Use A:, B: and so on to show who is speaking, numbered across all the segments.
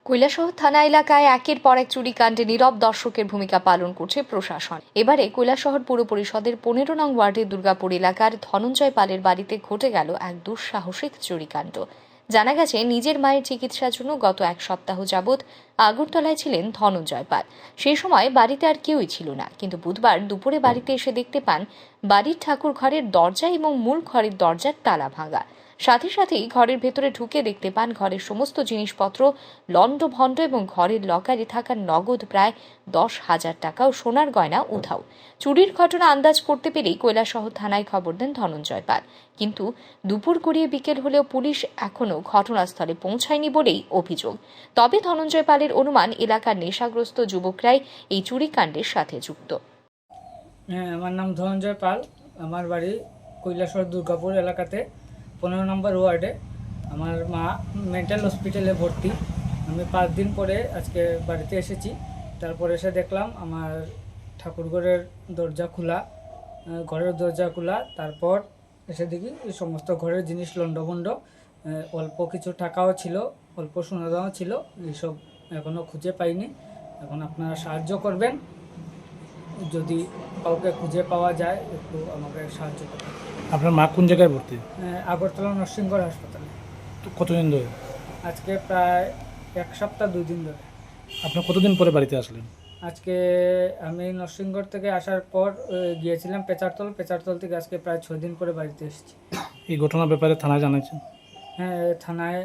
A: কৈলাসহর থানা এলাকায় একের পর এক চুরিকাণ্ডে নীরব দর্শকের ভূমিকা পালন করছে প্রশাসন। এবারে কৈলাসহর পৌর পরিষদের 15 নং ওয়ার্ডের দুর্গাপুর এলাকার ধনঞ্জয় পালের বাড়িতে ঘটে গেল এক দুঃসাহসিক চুরিকাণ্ড। জানা গেছে, নিজের মায়ের চিকিৎসার জন্য গত এক সপ্তাহ যাবৎ আগরতলায় ছিলেন ধনঞ্জয় পাল। সেই সময় বাড়িতে আর কেউই ছিল না, কিন্তু বুধবার দুপুরে বাড়িতে এসে দেখতে পান বাড়ির ঠাকুর ঘরের দরজা এবং মূল ঘরের দরজার তালা ভাঙা। সাথে সাথেই ঘরের ভেতরে ঢুকে দেখতে পান ঘরের সমস্ত জিনিসপত্র লণ্ডভণ্ড এবং ঘরের লকারে থাকা নগদ প্রায় 10,000 টাকা ও সোনার গয়না উধাও। চুরির ঘটনা আন্দাজ করতে পেরেই কৈলাসহর থানায় খবর দেন ধনঞ্জয় পাল, কিন্তু দুপুর গড়িয়ে বিকেল হলেও পুলিশ এখনও ঘটনাস্থলে পৌঁছায়নি বলেই অভিযোগ। তবে ধনঞ্জয় পালের অনুমান, এলাকার নেশাগ্রস্ত যুবকরাই এই চুরিকাণ্ডের সাথে যুক্ত।
B: আমার নাম ধনঞ্জয় পাল। আমার বাড়ি কৈলাসহর দুর্গাপুর এলাকাতে 15 নম্বর ওয়ার্ডে। আমার মা মেন্টাল হসপিটালে ভর্তি। আমি 5 দিন পরে আজকে বাড়িতে এসেছি। তারপর এসে দেখলাম আমার ঠাকুরঘরের দরজা খোলা, ঘরের দরজা খোলা। তারপর এসে দেখি এই সমস্ত ঘরের জিনিস লণ্ডভণ্ড, অল্প কিছু টাকাও ছিল, অল্প সোনাদাও ছিল। এইসব এখনও খুঁজে পাইনি। এখন আপনারা সাহায্য করবেন, যদি কাউকে খুঁজে পাওয়া যায় একটু আমাকে সাহায্য করবেন।
C: আপনার মা কোন জায়গায় ভর্তি?
B: আগরতলা নরসিংগড় হাসপাতালে।
C: তো কতদিন ধরে?
B: আজকে প্রায় 1 সপ্তাহ 2 দিন ধরে।
C: আপনি কতদিন পরে বাড়িতে আসলেন?
B: আজকে আমি নরসিংগড় থেকে আসার পর গিয়েছিলাম পেচারতল থেকে আজকে প্রায় 6 দিন পরে বাড়িতে এসেছি।
C: এই ঘটনার ব্যাপারে থানায় জানাচ্ছেন?
B: হ্যাঁ, থানায়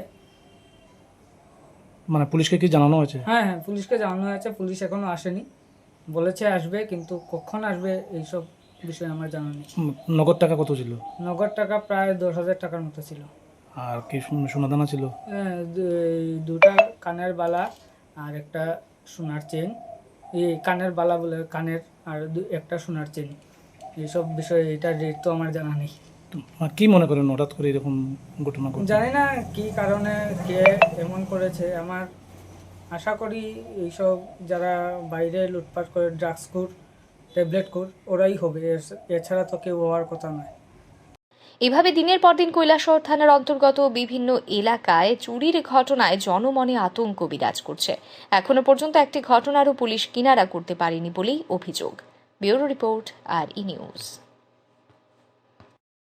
C: মানে পুলিশকে কি জানানো হয়েছে?
B: হ্যাঁ, পুলিশকে জানানো হয়েছে। পুলিশ এখনো আসেনি, বলেছে আসবে, কিন্তু কখন আসবে এইসব বিষয়ে আমার জানা নেই।
C: নগদ টাকা কত ছিল?
B: নগদ টাকা প্রায় 10,000 টাকার মতো ছিল।
C: আর কি সোনাদানা ছিল?
B: দুটা কানের বালা আর একটা সোনার চেন। এই কানের বালা বলে কানের, আর একটা সোনার চেন। এইসব বিষয়ে এটা রেট তো আমার জানা নেই।
C: কি মনে করেন হঠাৎ করে এরকম ঘটনা ঘটছে?
B: জানি না কি কারণে কে এমন করেছে। আমার আশা করি এইসব যারা বাইরে লুটপাট করে, ড্রাগস খোর, ট্যাবলেট খোর, ওরাই হবে, এছাড়া তো কেউ হওয়ার কথা নয়।
A: এভাবে দিনের পর দিন কৈলাসহর থানার অন্তর্গত বিভিন্ন এলাকায় চুরির ঘটনায় জনমনে আতঙ্ক বিরাজ করছে। এখনো পর্যন্ত একটি ঘটনারও পুলিশ কিনারা করতে পারেনি বলেই অভিযোগ। ব্যুরো রিপোর্ট, আর ই নিউজ।